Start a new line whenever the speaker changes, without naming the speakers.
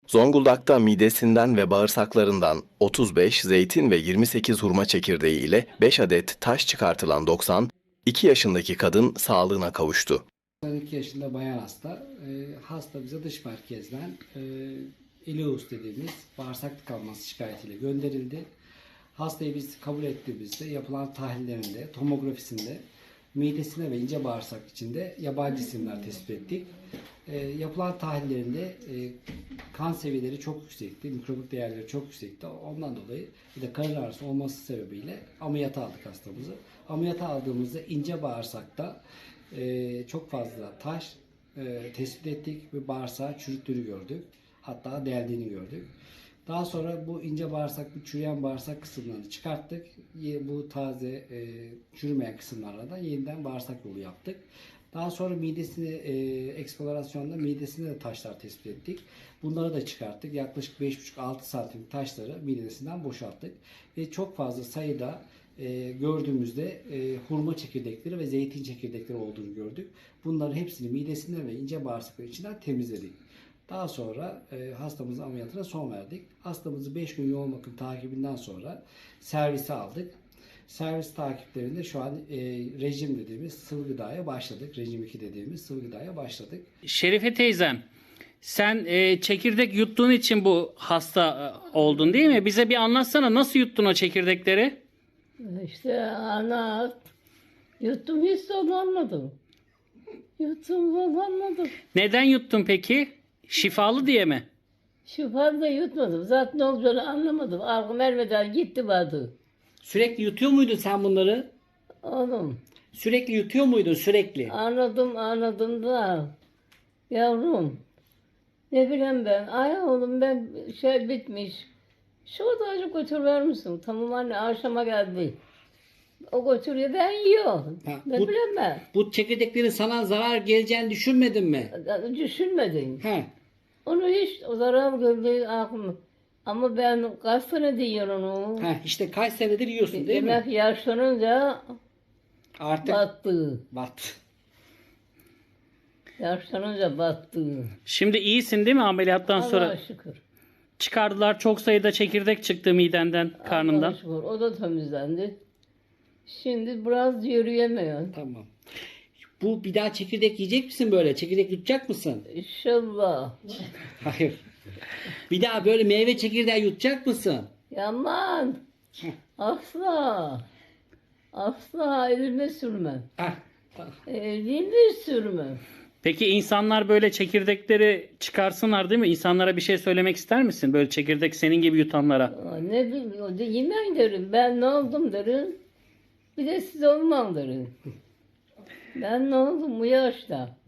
Zonguldak'ta midesinden ve bağırsaklarından 35 zeytin ve 28 hurma çekirdeği ile 5 adet taş çıkartılan 90, 2 yaşındaki kadın sağlığına kavuştu.
92 yaşında bayan hasta. Hasta bize dış merkezden ileus dediğimiz bağırsak tıkanması şikayetiyle gönderildi. Hastayı biz kabul ettiğimizde yapılan tahlillerinde, tomografisinde midesine ve ince bağırsak içinde yabancı cisimler tespit ettik. Yapılan tahlillerinde kan seviyeleri çok yüksekti, mikrobik değerleri çok yüksekti. Ondan dolayı bir de karın ağrısı olması sebebiyle ameliyata aldık hastamızı. Ameliyata aldığımızda ince bağırsakta çok fazla taş tespit ettik ve bağırsağı çürüttüğünü gördük. Hatta deldiğini gördük. Daha sonra bu ince bağırsak, bu çürüyen bağırsak kısımlarını çıkarttık. Bu taze çürümeyen kısımlarla da yeniden bağırsak yolu yaptık. Daha sonra midesini eksplorasyonda midesinde de taşlar tespit ettik. Bunları da çıkarttık. Yaklaşık 5,5-6 santim taşları midesinden boşalttık. Ve çok fazla sayıda gördüğümüzde hurma çekirdekleri ve zeytin çekirdekleri olduğunu gördük. Bunların hepsini midesinden ve ince bağırsakları içinden temizledik. Daha sonra hastamızın ameliyatına son verdik. Hastamızı 5 gün yoğun bakım takibinden sonra servise aldık. Servis takiplerinde şu an rejim dediğimiz sıvı gıdaya başladık. Rejim 2 dediğimiz sıvı gıdaya başladık.
Şerife teyzem, sen çekirdek yuttuğun için bu hasta oldun değil mi? Bize bir anlatsana, nasıl yuttun o çekirdekleri?
İşte anlat. Yuttum hiç zorlanmadım. Yuttum zorlanmadım.
Neden yuttun peki? Şifalı diye mi?
Şu fazla yutmadım. Zaten ne olacağını anlamadım. Aklım ermeden gitti vardı.
Sürekli yutuyor muydun sen bunları?
Oğlum
Sürekli yutuyor muydun sürekli?
anladım da yavrum ne bileyim ben. Ay oğlum ben şey bitmiş. Şu odacı götürür misin? Tamam anne akşama geldi. O götürüyor ben yiyorum.
Ha,
Ne
bu-
bileyim ben.
Bu çekirdeklerin sana zarar geleceğini düşünmedin mi?
Düşünmedim.
He.
Onu hiç o zarar gördüğü aklım. Ama ben kaç sene diyorum onu.
He, işte kaç senedir yiyorsun değil mi?
Demek yaşlanınca
Artık
battı.
bat.
Yaşlanınca battı.
Şimdi iyisin değil mi ameliyattan sonra?
Allah'a şükür.
Çıkardılar, çok sayıda çekirdek çıktı midenden, karnından.
Allah'a şükür. O da temizlendi. Şimdi biraz yürüyemiyor.
Tamam. Bu bir daha çekirdek yiyecek misin böyle? Çekirdek yutacak mısın?
İnşallah.
Hayır. Bir daha böyle meyve çekirdeği yutacak mısın?
Yaman. Asla. Asla elime sürmem.
Heh. Tamam.
Elime sürmem.
Peki insanlar böyle çekirdekleri çıkarsınlar değil mi? İnsanlara bir şey söylemek ister misin? Böyle çekirdek senin gibi yutanlara.
Ne bileyim, yemen derim. Ben ne oldum derim. Bir de siz olmam derim. Ben ne oldum bu yaşta?